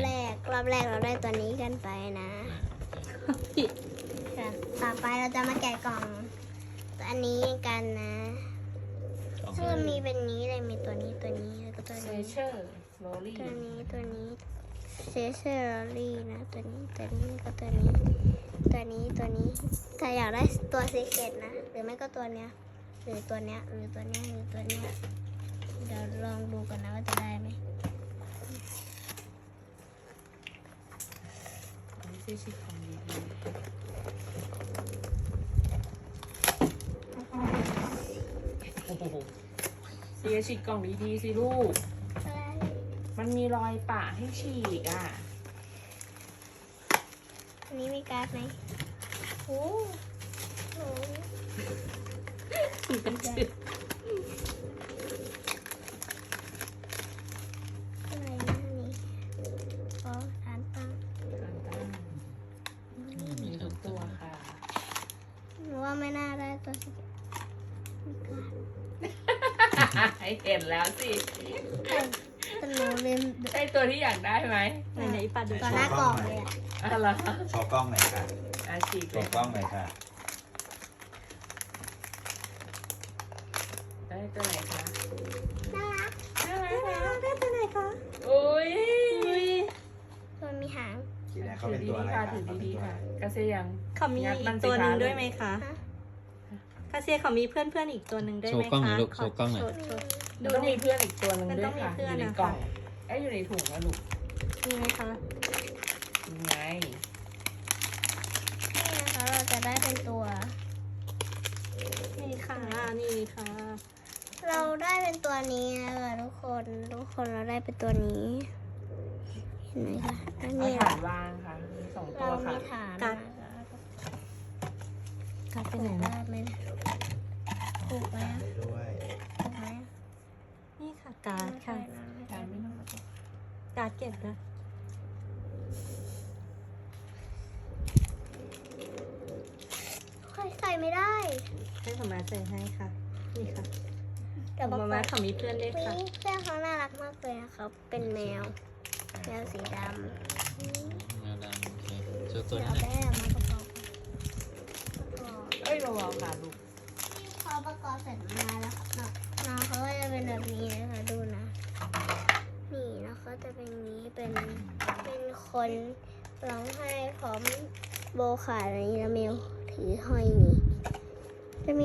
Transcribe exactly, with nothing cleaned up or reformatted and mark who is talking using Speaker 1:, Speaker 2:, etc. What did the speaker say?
Speaker 1: แรกรอบแรกเราได้ตัวนี้กันไปนะต่อไปเราจะมาแกะกล่องอันนี้กันนะซึ่งมันมีเป็นนี้เลยมีตัวนี้ตัวนี้แล้วก็ตัว
Speaker 2: เซ
Speaker 1: นี้
Speaker 2: เชอร์โรลี่
Speaker 1: ตัวนี้ตัวนี้เซเซอร์ลี่นะตัวนี้ตัวนี้ก็ตัวนี้ตัวนี้ตัวนี้ถ้าอยากได้ตัวซีเคทนะหรือไม่ก็ตัวเนี้ยหรือตัวเนี้ยหรือตัวเนี้ยหรือตัวเนี้ยเดี๋ยวลองดูกันนะว่าจะได้ไหม
Speaker 2: ไม่ใช่ชิคของดีโอ้โหเสียฉีกกล่องดีๆสิลูก
Speaker 1: อะไร
Speaker 2: มันมีรอยปะให้ฉีกอ่ะ
Speaker 1: อันนี้มีการ์ดไหมโอ้โหอะไรนะนี่อ๋อฐานตั้ง
Speaker 2: มีทุกตัวค่ะ
Speaker 1: หนูว่าไม่น่าได้ตัวซีเคทมีการ์ด
Speaker 2: ให้เห็นแล้วสิ
Speaker 1: แต่หนูเล่น
Speaker 2: ใช่ตัวที่อยากได้ไหม
Speaker 3: ไหนไหนๆปัดดู
Speaker 1: ต่อหน้ากล่องเลยอะ
Speaker 2: อะไรอ
Speaker 4: โชว์กล้องหน่อยค่ะ
Speaker 2: อาฉีก
Speaker 4: โชว์กล้องหน่อยค่ะ
Speaker 2: ได้ตัวไหนคะ
Speaker 1: น่ารัก
Speaker 2: น่ารักนะ
Speaker 3: ได้ตัวไหนคะ
Speaker 2: อุ้ย
Speaker 1: มันมีหาง
Speaker 4: ทีแรกเขาเป็นตัวอะไร
Speaker 2: ค่ะ
Speaker 4: คะ
Speaker 2: ถือ
Speaker 4: เขาเป็น
Speaker 2: ดี
Speaker 4: ตัว
Speaker 2: ๆ
Speaker 4: อะ
Speaker 2: ค่ะ
Speaker 4: ไร
Speaker 2: กระเซยัง
Speaker 3: เขามี
Speaker 2: งัดมัน
Speaker 3: อีก
Speaker 2: สิ
Speaker 3: ตัวหนึ่ง
Speaker 2: คะ
Speaker 3: ด้วยไหมคะ
Speaker 1: ฮะ
Speaker 3: คาเซียเขามีเพื่อนเพื่อนๆอีกตัวหนึ่งด้วยไหม
Speaker 5: โชว์กล้องหน่
Speaker 3: คะ
Speaker 5: อยลูกโชว์กล้องหน่อย
Speaker 3: โชว์โชว์
Speaker 2: มันต้องมีเพื่อนอีกตัวหนึ่ง
Speaker 3: มัน
Speaker 2: ด้
Speaker 3: ต้
Speaker 2: ว
Speaker 3: อย งมี
Speaker 2: ค่ะ
Speaker 3: เพื่
Speaker 2: อ
Speaker 3: อน
Speaker 2: ยู่ใน
Speaker 3: นะคะ
Speaker 2: กล่องเอ้ยอยู่ในถุงนะลูก
Speaker 3: มีไหมคะ
Speaker 2: ยังไง
Speaker 1: นี่นะคะเราจะได้เป็นตัว
Speaker 3: นี่ค่ะนี่ค่ะ
Speaker 1: เราได้เป็นตัวนี้นะคะทุกคนทุกคนเราได้เป็นตัวนี้ เห็นไหมคะอัน
Speaker 2: เอา
Speaker 1: นี้
Speaker 2: ฐานวางค่ะมีสองตั
Speaker 1: เรา
Speaker 2: วค่ะ
Speaker 1: มีฐาน
Speaker 3: กัด กัดไปไหน
Speaker 1: ได้
Speaker 3: นะ
Speaker 1: ไหมถูกไหม
Speaker 4: ตามไปด้วย
Speaker 1: ถูกไหม
Speaker 3: นี่ค่ะการ์ดค่ะ
Speaker 2: ฐานไม่ต้อง
Speaker 3: การ์ดเก็บนะ
Speaker 1: ค่อยใส่ไม่ได้
Speaker 3: ให้ผมมาใส่ให้ค่ะ นี่ค่ะ
Speaker 1: เดี๋ยวบอก
Speaker 3: มา
Speaker 1: ก่
Speaker 3: มา
Speaker 1: อน
Speaker 3: เขามีเพื่อนด้วยค่ะ
Speaker 1: นี่เสื้อเขาน่ารักมากเลยนะคะเป็นแมวแมวสีดำ
Speaker 5: แมวดำโอเคโชว์ตั
Speaker 1: เดี๋
Speaker 5: ว
Speaker 1: ยว
Speaker 5: นี้
Speaker 1: เอา
Speaker 5: หน่อย
Speaker 1: แม่มาประกอบประกอบ
Speaker 2: เอ้ยเบาๆค่ะลูก
Speaker 1: พอประกอบเสร็จมาแล้วค่ะน้องเขาก็จะเป็นแบบนี้นะคะดูนะ นี่นะคะจะเป็นอย่างนี้เป็นเป็นคนร้องไห้พร้อมโบขาอะไรนี้แล้วเมลถือห้อยนี่